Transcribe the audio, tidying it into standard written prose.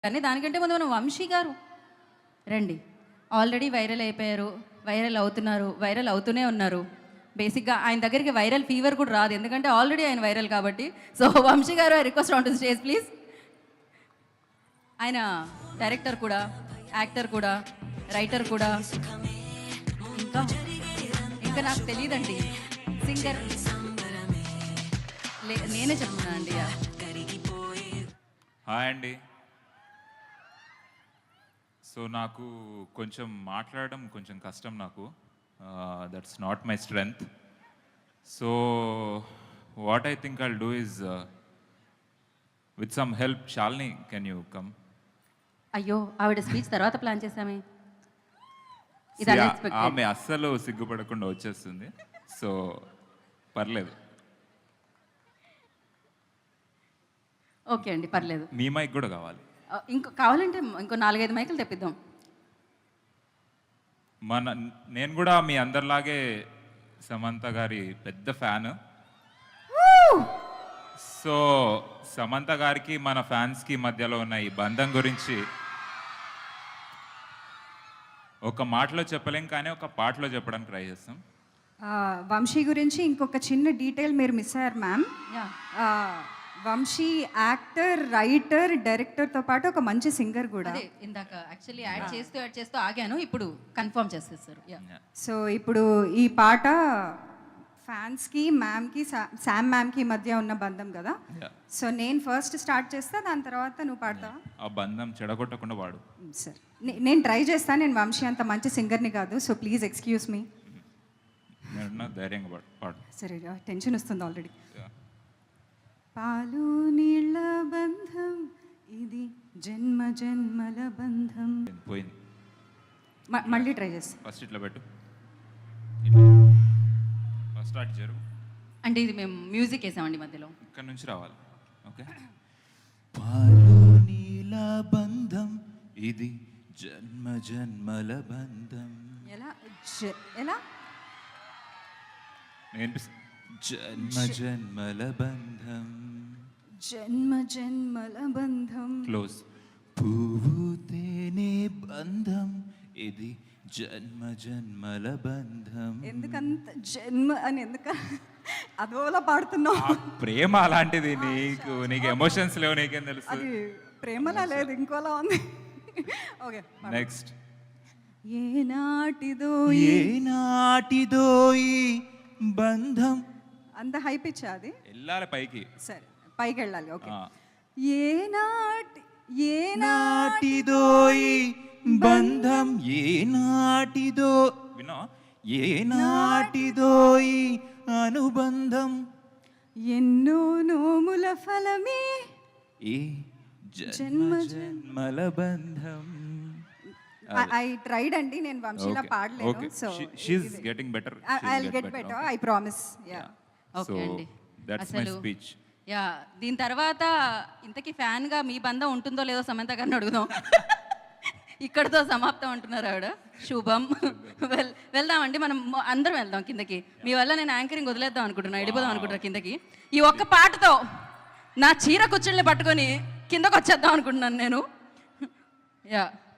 కానీ దానికంటే ముందు మనం వంశీ గారు రండి. ఆల్రెడీ వైరల్ అయిపోయారు, వైరల్ అవుతున్నారు, వైరల్ అవుతూనే ఉన్నారు. బేసిక్గా ఆయన దగ్గరికి వైరల్ ఫీవర్ కూడా రాదు, ఎందుకంటే ఆల్రెడీ ఆయన వైరల్ కాబట్టి. So Vamsi garu, I request on to stage please. ఆయన డైరెక్టర్ కూడా, యాక్టర్ కూడా, రైటర్ కూడా, ఇంకా ఇంకా నాకు తెలియదండి, సింగర్. నేనే చెప్తున్నా అండి. హాయ్ అండి. సో నాకు కొంచెం మాట్లాడడం కొంచెం కష్టం, నాకు that's not my strength. So what I think I'll do is with some help. Shalini, can you come? అయ్యో, ఆవిడ స్పీచ్ తర్వాత ప్లాన్ చేసామే. ఆమె అస్సలు సిగ్గుపడకుండా వచ్చేస్తుంది, సో పర్లేదు. ఓకే అండి, పర్లేదు. మీ మైక్ కూడా కావాలి? ఇంకో కావాలంటే ఇంకో 4-5 మైకులు తెప్పిద్దాం. నేను కూడా మీ అందరిలాగే సమంత గారి పెద్ద ఫ్యాన్. సో సమంత గారికి మన ఫ్యాన్స్కి మధ్యలో ఉన్న ఈ బంధం గురించి ఒక మాటలో చెప్పలేం, కానీ ఒక పాటలో చెప్పడానికి ట్రై చేస్తాం. వంశీ గురించి ఇంకొక చిన్న డీటెయిల్ మీరు మిస్ అయ్యారు మ్యామ్. వంశీ యాక్టర్, రైటర్, డైరెక్టర్తో పాటు ఒక మంచి సింగర్ కూడా. ఇందాక యాక్చువల్లీ యాడ్ చేస్తూ ఆగాను, ఇప్పుడు కన్ఫర్మ్ చేసేస్తారు. సో ఇప్పుడు ఈ పాట ఫ్యాన్స్కి, మ్యామ్కి, శామ్ మ్యామ్కి మధ్య ఉన్న బంధం కదా. సో నేను ఫస్ట్ స్టార్ట్ చేస్తా, దాని తర్వాత నువ్వు పాడతావా? ఆ బంధం చెడగొట్టకుండా వాడు. సార్ నేను ట్రై చేస్తాను. నేను వంశీ అంత మంచి సింగర్ని కాదు, సో ప్లీజ్ ఎక్స్క్యూజ్ మీ. ధైర్యంగా పాడు. సరే, టెన్షన్ వస్తుంది ఆల్రెడీ. పాలు నీళ్ళ బంధం ఇది, జన్మ జన్మల బంధం. పోయింది, మళ్ళీ ట్రై చేస్తా. ఫస్ట్ ఇట్లా పెట్టు, ఫస్ట్ స్టార్ట్ జరుగు. అంటే ఇది మేము మ్యూజిక్ వేసామండి మధ్యలో, ఇక్కడ నుంచి రావాలి. ఓకే. పాలు నీళ్ళ బంధం ఇది, జన్మ జన్మల బంధం. ఎలా జన్మ జన్మల బంధం, జన్మ జన్మల బంధం. క్లోజ్. పువ్వు తేనె బంధం ఇది, జన్మ జన్మల బంధం. ఎందుకంత జన్మ అని అదోలా పాడుతున్నావు? ప్రేమ అలాంటిది. నీకు ఎమోషన్స్ లేవు, నీకేం తెలుసు? అది ప్రేమలా లేదు, ఇంకోలా ఉంది. Okay, next. ఏనాటిదో ఏనాటిదో ఈ బంధం. అంత హై పిచ్ అది? వెళ్ళాలి పైకి. సరే, పైకి వెళ్ళాలి. ఓకే. ఏనాటిదో ఈ బంధం, ఏనాటిదో, వినో, ఏనాటిదో ఈ అనుబంధం, ఎన్నో నోముల ఫలమే ఈ జన్మ జన్మల బంధం. ఐ ట్రైడ్ అండి, నేను వంశీలా పాడలేను. So she is getting better. I will get better, I promise. Yeah, okay అండి. That's my speech. యా, దీని తర్వాత ఇంతకీ ఫ్యాన్ గా మీ బంధం ఉంటుందో లేదో సమంత గారిని అడుగుదాం. ఇక్కడతో సమాప్తం అంటున్నారు ఆవిడ. శుభం. వెళ్దామండి, మనం అందరం వెళ్దాం కిందకి. మీ వల్ల నేను యాంకరింగ్ వదిలేద్దాం అనుకుంటున్నా, వెళ్ళిపోదాం అనుకుంటున్నా కిందకి. ఈ ఒక్క పాటతో నా చీర కుచ్చుల్ని పట్టుకొని కిందకు వచ్చేద్దాం అనుకుంటున్నాను నేను. యా.